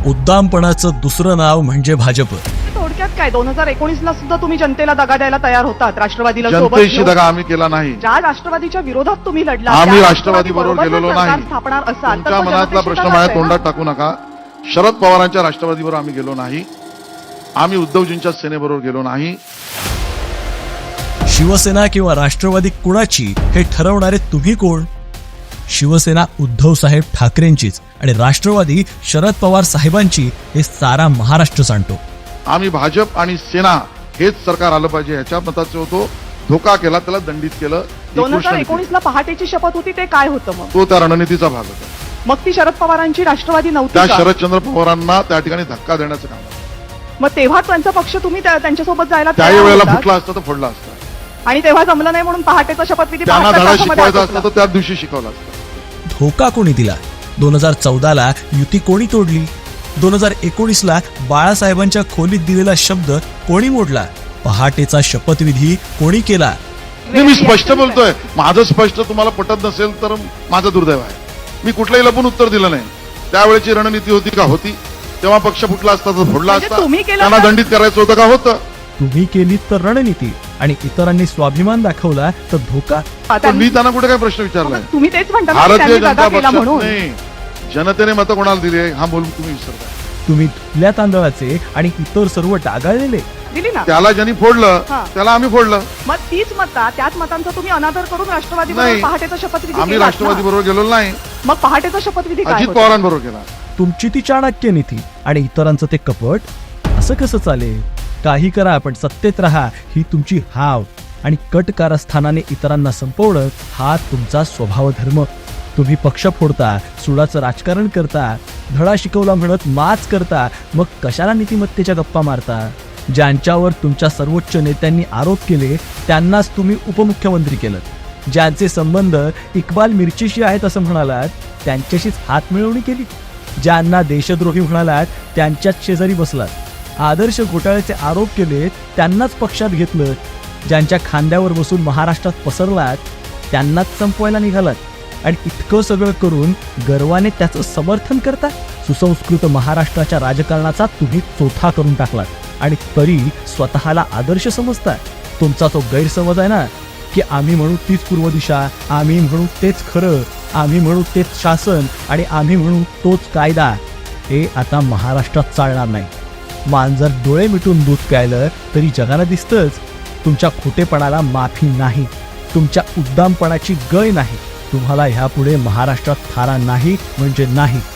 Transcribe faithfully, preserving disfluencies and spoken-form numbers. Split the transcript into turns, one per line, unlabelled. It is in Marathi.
उद्दामपणाचं दुसरं नाव म्हणजे भाजप.
थोडक्यात काय दोन हजार एकोणीस ला सुद्धा तुम्ही जनतेला दगा द्यायला तयार होतात, राष्ट्रवादीला सोबत
जनतेशी
घेऊन.
दगा आम्ही केला नाही.
ज्या राष्ट्रवादीच्या विरोधात तुम्ही लढला,
आम्ही
त्या
राष्ट्रवादी बरोबर
राष्ट्रवादीबरोबर
गेलेलो
जर सरकार
नाही.
स्थापणार असाल तर
तुमच्या
तो
मनातला
जनतेशी
प्रश्न
दगाच
माझ्या
आहे ना?
तोंडात टाकू नका. शरद पवारांच्या राष्ट्रवादीबरोबर आम्ही गेलो नाही. आम्ही उद्धवजींच्या सेनेबरोबर गेलो नाही.
शिवसेना किंवा राष्ट्रवादी कुणाची हे ठरवणारे तुम्ही कोण? शिवसेना उद्धव साहेब ठाकरेंचीच आणि राष्ट्रवादी शरद पवार साहेबांची हे सारा महाराष्ट्र जाणतो.
आम्ही भाजप आणि सेना हेच सरकार आलं पाहिजे ह्याच्या मताचे होतो. धोका केला, त्याला दंडित केलं. ही
दोन
गोष्ट
हजार
नाही.
एकोणीस ला पहाटेची शपथ होती, ते काय होतं मग?
तो त्या रणनीतीचा भाग होता.
मग ती शरद पवारांची राष्ट्रवादी नव्हती
त्या
का?
शरदचंद्र पवारांना त्या ठिकाणी धक्का देण्याचं काम होतं.
मग तेव्हा त्यांचा पक्ष तुम्ही त्या- त्यांच्यासोबत जायला
त्याही
तयार
वेळेला
होतात.
फुटला असता तर फोडला असता.
आणि तेव्हा जमलं नाही म्हणून पहाटेचा शपथविधी
त्यांना
बहात्तर
धडा
तासामध्ये
शिकवायचा
आटोपला.
असता तर त्याच दिवशी शिकवला असता.
धोका कोणी दिला? दोन हजार चौदाला युती कोणी तोडली? दोन हजार एकोणीसला बाळासाहेबांच्या खोलीत दिलेला शब्द कोणी मोडला? पहाटेचा शपथविधी कोणी केला?
नाही, मी स्पष्ट बोलतोय. माझं स्पष्ट तुम्हाला पटत नसेल तर माझं दुर्दैव आहे. मी कुठलंही लपून उत्तर दिलं नाही. त्यावेळेची रणनीती होती का? होती. तेव्हा पक्ष फुटला असता तर फोडला
म्हणजे
असता.
तुम्ही केलं
त्यांना
तर-
दंडित करायचं होतं का? होतं.
तुम्ही केली तर रणनीती आणि इतरांनी स्वाभिमान दाखवला तर धोका.
पण मी त्यांना कुठे काय प्रश्न विचारलाय?
तुम्ही तेच म्हणता ना की
भारतीय
त्यांनी
जनता
दगा केला
पक्षात
म्हणून.
नाही, जनतेने मतं कोणाला दिली आहे हा बोलून तुम्ही विसरता.
तुम्ही धुतल्या तांदळाचे आणि इतर सर्व डागाळलेले.
दिली ना.
त्याला ज्यांनी फोडलं
हा.
त्याला आम्ही फोडलं.
मग तीच मतं, त्याच मतांचा तुम्ही अनादर करून राष्ट्रवादी
नाही.
बरोबर पहाटेचा शपथविधी
आम्ही
केलात
राष्ट्रवादी
ना.
बरोबर गेलो नाही.
मग पहाटेचा शपथविधी काय
अजित
होता?
पवारांबरोबर गेला.
तुमची ती चाणक्य नीती आणि इतरांचं ते कपट. असं कसं चालेल? काही करा पण सत्तेत राहा ही तुमची हाव आणि कट कारस्थानाने इतरांना संपवणं हा तुमचा स्वभाव धर्म. तुम्ही पक्ष फोडता, सुडाचं राजकारण करता, धडा शिकवला म्हणत माच करता, मग कशाला नीतिमत्तेच्या गप्पा मारता? ज्यांच्यावर तुमच्या सर्वोच्च नेत्यांनी आरोप केले त्यांनाच तुम्ही उपमुख्यमंत्री केलं. ज्यांचे संबंध इक्बाल मिरचीशी आहेत असं म्हणालात त्यांच्याशीच हात मिळवणी केली. ज्यांना देशद्रोही म्हणालात त्यांच्याच शेजारी बसलात. आदर्श घोटाळ्याचे आरोप केले त्यांनाच पक्षात घेतलं. ज्यांच्या खांद्यावर बसून महाराष्ट्रात पसरलात त्यांनाच संपवायला निघालात. आणि इतकं सगळं करून गर्वाने त्याचं समर्थन करता. सुसंस्कृत महाराष्ट्राच्या राजकारणाचा तुम्ही चोथा करून टाकलात आणि तरी स्वतःला आदर्श समजता. तुमचा तो गैरसमज आहे ना की आम्ही म्हणू तीच पूर्व दिशा, आम्ही म्हणू तेच खरं, आम्ही म्हणू तेच शासन आणि आम्ही म्हणू तोच कायदा. हे आता महाराष्ट्रात चालणार नाही. मांजर डोळे मिटून दूध प्यायलं तरी जगाला दिसतंच. तुमच्या खोटेपणाला माफी नाही, तुमच्या उद्दामपणाची गय नाही. तुम्हाला ह्यापुढे महाराष्ट्रात थारा नाही म्हणजे नाही.